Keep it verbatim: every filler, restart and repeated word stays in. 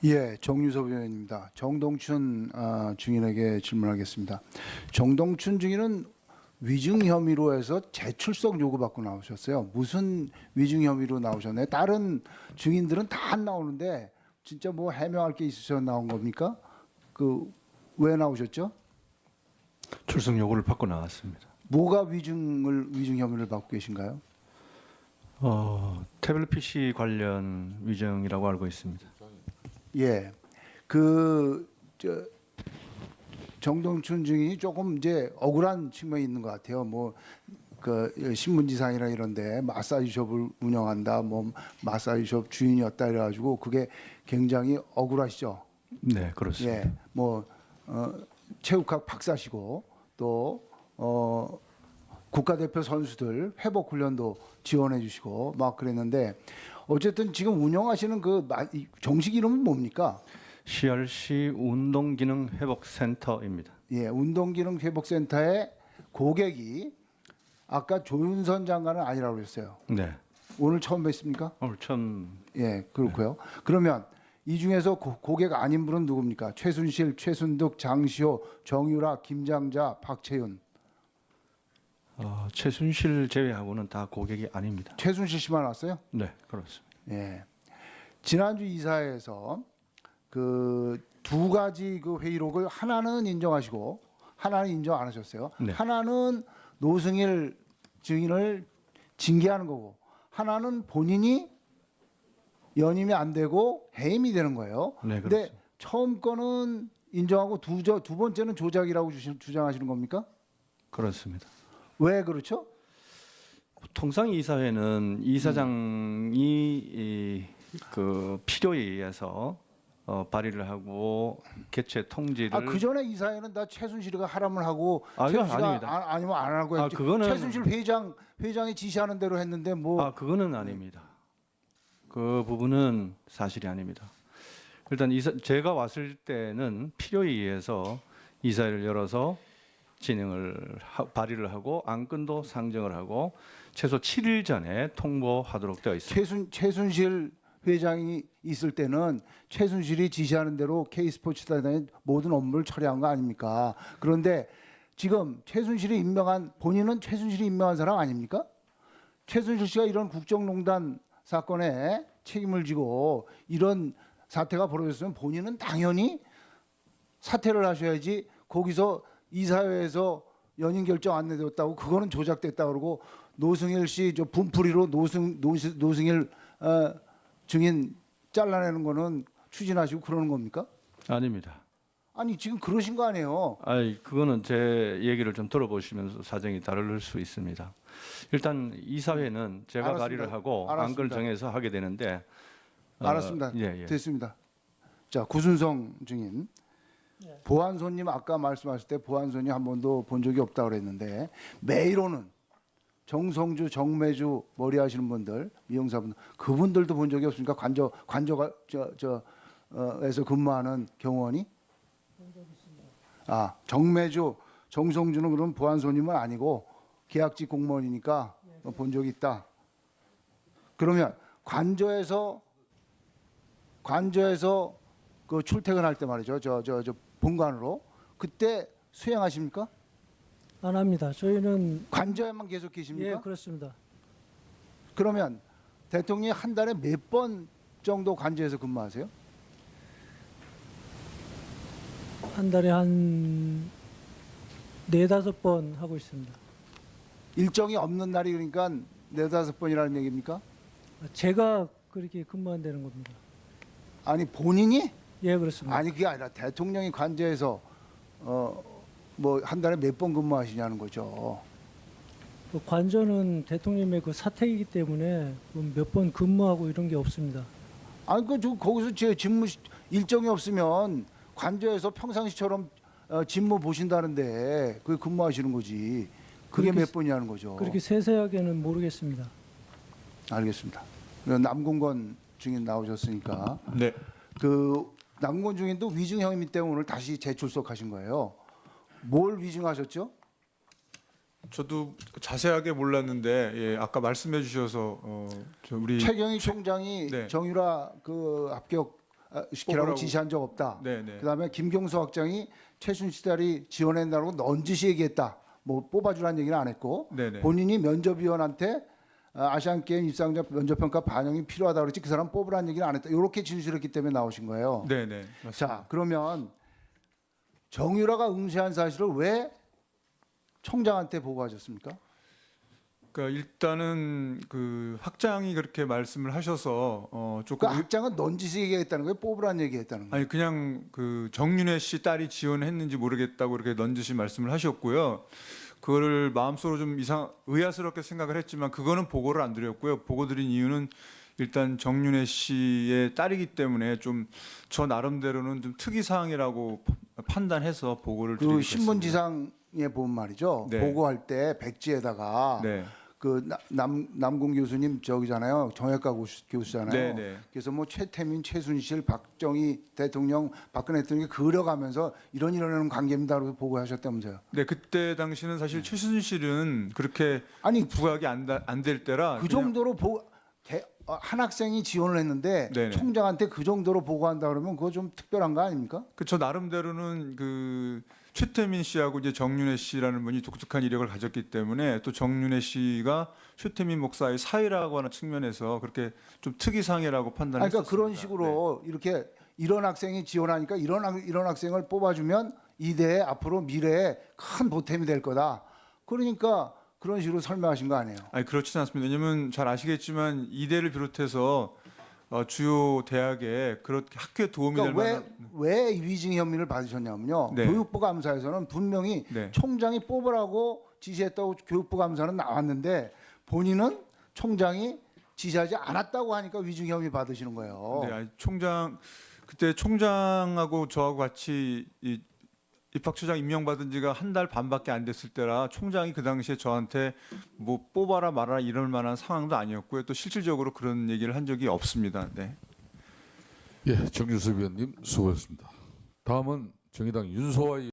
예, 정유섭 의원입니다. 정동춘 아, 증인에게 질문하겠습니다. 정동춘 증인은 위증 혐의로 해서 재출석 요구받고 나오셨어요. 무슨 위증 혐의로 나오셨나요? 다른 증인들은 다 안 나오는데 진짜 뭐 해명할 게 있으셔서 나온 겁니까? 그 왜 나오셨죠? 출석 요구를 받고 나왔습니다. 뭐가 위증을 위증 혐의를 받고 계신가요? 어, 태블릿 피씨 관련 위증이라고 알고 있습니다. 예, 그 저, 정동춘 증인이 조금 이제 억울한 측면이 있는 것 같아요. 뭐 그 신문지상이나 이런데 마사지숍을 운영한다, 뭐 마사지숍 주인이었다 이래가지고 그게 굉장히 억울하시죠. 네, 그렇습니다. 예, 뭐 어, 체육학 박사시고 또 어, 국가대표 선수들 회복 훈련도 지원해 주시고 막 그랬는데 어쨌든 지금 운영하시는 그 마- 이 정식 이름은 뭡니까? 씨알씨 운동기능회복센터입니다. 예, 운동기능회복센터의 고객이 아까 조윤선 장관은 아니라고 그랬어요. 네, 오늘 처음 뵀습니까? 오늘 처음 예, 그렇고요. 그러면 이 중에서 고, 고객 아닌 분은 누굽니까? 최순실, 최순득, 장시호, 정유라, 김장자, 박채윤. 어, 최순실 제외하고는 다 고객이 아닙니다. 최순실 씨만 왔어요? 네, 그렇습니다. 예. 지난주 이사회에서 그 두 가지 그 회의록을 하나는 인정하시고 하나는 인정 안 하셨어요. 네. 하나는 노승일 증인을 징계하는 거고 하나는 본인이 연임이 안 되고 해임이 되는 거예요. 네, 근데 그렇습니다. 처음 거는 인정하고 두, 저, 두 번째는 조작이라고 주시, 주장하시는 겁니까? 그렇습니다. 왜 그렇죠? 통상 이사회는 이사장이 이, 그 필요에 의해서 어, 발의를 하고 개최 통지를 아, 그 전에 이사회는 다 최순실이가 하라면 하고 아, 그건 최순실이가 아닙니다. 아, 아니면 안 하고 아, 했지. 그거는- 최순실 회장 회장이 지시하는 대로 했는데 뭐 아, 그거는 아닙니다. 그 부분은 사실이 아닙니다. 일단 이사, 제가 왔을 때는 필요에 의해서 이사회를 열어서 진행을 하, 발의를 하고 안건도 상정을 하고 최소 칠 일 전에 통보하도록 되어 있습니다. 최순 최순실 회장이 있을 때는 최순실이 지시하는 대로 K스포츠단의 모든 업무를 처리한 거 아닙니까? 그런데 지금 최순실이 임명한 본인은 최순실이 임명한 사람 아닙니까? 최순실 씨가 이런 국정농단 사건에 책임을 지고 이런 사태가 벌어졌으면 본인은 당연히 사퇴를 하셔야지 거기서 이사회에서 연임 결정 안 내렸다고 그거는 조작됐다 그러고 노승일 씨 저 분풀이로 노승 노승 노승일 어, 증인 잘라내는 거는 추진하시고 그러는 겁니까? 아닙니다. 아니 지금 그러신 거 아니에요? 아이 그거는 제 얘기를 좀 들어보시면서 사정이 다를 수 있습니다. 일단 이사회는 제가 알았습니다. 발의를 하고 알았습니다. 안건을 정해서 하게 되는데 어, 알았습니다. 예, 예. 됐습니다. 자 구순성 증인 보안소님 아까 말씀하실 때 보안소님 한 번도 본 적이 없다고 그랬는데 매일 오는 정성주, 정매주 머리 하시는 분들, 미용사분들 그분들도 본 적이 없으니까 관저 관저가 저저 어, 에서 근무하는 경호원이 아 정매주, 정성주는 그럼 보안소님은 아니고 계약직 공무원이니까 어, 본 적이 있다. 그러면 관저에서 관저에서 그 출퇴근할 때 말이죠. 저 저 저 본관으로 그때 수행하십니까? 안 합니다. 저희는 관저에만 계속 계십니까? 예 그렇습니다. 그러면 대통령이 한 달에 몇 번 정도 관저에서 근무하세요? 한 달에 한 네다섯 번 하고 있습니다. 일정이 없는 날이 그러니까 네다섯 번이라는 얘기입니까? 제가 그렇게 근무한다는 겁니다. 아니 본인이? 예 그렇습니다. 아니 그게 아니라 대통령이 관저에서 어 뭐 한 달에 몇 번 근무하시냐는 거죠. 그 관저는 대통령의 그 사택이기 때문에 몇 번 근무하고 이런 게 없습니다. 아니 그 저 거기서 제 직무 시- 일정이 없으면 관저에서 평상시처럼 어, 직무 보신다는데 그게 근무하시는 거지. 그게 그렇게 몇 번이냐는 거죠. 그렇게 세세하게는 모르겠습니다. 알겠습니다. 남궁건 증인 나오셨으니까 네. 그 남궁건 증인도 위증 혐의 때문에 오늘 다시 재출석하신 거예요. 뭘 위증하셨죠? 저도 자세하게 몰랐는데 예, 아까 말씀해 주셔서 어, 저 우리 최경희 총장이 네. 정유라 그 합격 시키라고 뽑으라고. 지시한 적 없다. 네, 네. 그다음에 김경수 학장이 최순실 딸이 지원한다고 넌지시 얘기했다. 뭐 뽑아주라는 얘기는 안 했고 네, 네. 본인이 면접위원한테 아, 아시안 게임 입상자 면접평가 반영이 필요하다 그랬지 그 사람 뽑으라는 얘기는 안 했다. 이렇게 진술했기 때문에 나오신 거예요. 네, 네. 맞습니다. 자, 그러면 정유라가 응시한 사실을 왜 총장한테 보고하셨습니까? 그러니까 일단은 그 학장이 그렇게 말씀을 하셔서 어 그 조금 학장은 넌지시 얘기했다는 거예요? 뽑으라는 얘기했다는 거예요? 아니 그냥 그 정윤회 씨 딸이 지원했는지 모르겠다고 이렇게 넌지시 말씀을 하셨고요. 그거를 마음속으로 좀 이상 의아스럽게 생각을 했지만 그거는 보고를 안 드렸고요. 보고 드린 이유는 일단 정윤회 씨의 딸이기 때문에 좀 저 나름대로는 좀 특이 사항이라고 판단해서 보고를 드리게 그 됐습니다. 신문지상에 본 말이죠. 네. 보고할 때 백지에다가 네. 그 남 남궁 교수님 저기잖아요. 정외과 교수, 교수잖아요. 네, 네. 그래서 뭐 최태민, 최순실, 박정희 대통령, 박근혜 대통령이 그려가면서 이런 이런 관계입니다라고 보고하셨다면서요. 네, 그때 당시는 사실 최순실은 그렇게 아니 부각이 안 될 때라 그 그냥- 정도로 보, 대, 어, 한 학생이 지원을 했는데 네네. 총장한테 그 정도로 보고한다 그러면 그거 좀 특별한 거 아닙니까? 그 저 나름대로는 그 최태민 씨하고 이제 정윤회 씨라는 분이 독특한 이력을 가졌기 때문에 또 정윤회 씨가 최태민 목사의 사이라고 하는 측면에서 그렇게 좀 특이상이라고 아니, 판단했습니다. 그러니까 그런 식으로 이렇게 이런 학생이 지원하니까 이런 학- 이런 학생을 뽑아주면 이대에 앞으로 미래에 큰 보탬이 될 거다. 그러니까 그런 식으로 설명하신 거 아니에요? 아니 그렇지는 않습니다. 왜냐하면 잘 아시겠지만 이대를 비롯해서 어, 주요 대학에 그렇게 학교에 도움이 그러니까 될 왜, 만한 왜 위증 혐의를 받으셨냐면요. 네. 교육부 감사에서는 분명히 네. 총장이 뽑으라고 지시했다고 교육부 감사는 나왔는데 본인은 총장이 지시하지 않았다고 하니까 위증 혐의 받으시는 거예요. 네, 아니, 총장 그때 총장하고 저하고 같이 이 입학처장 임명받은 지가 한 달 반밖에 안 됐을 때라 총장이 그 당시에 저한테 뭐 뽑아라 말아라 이럴 만한 상황도 아니었고요. 또 실질적으로 그런 얘기를 한 적이 없습니다. 네. 예, 정유섭 위원님 수고하셨습니다. 다음은 정의당 윤소아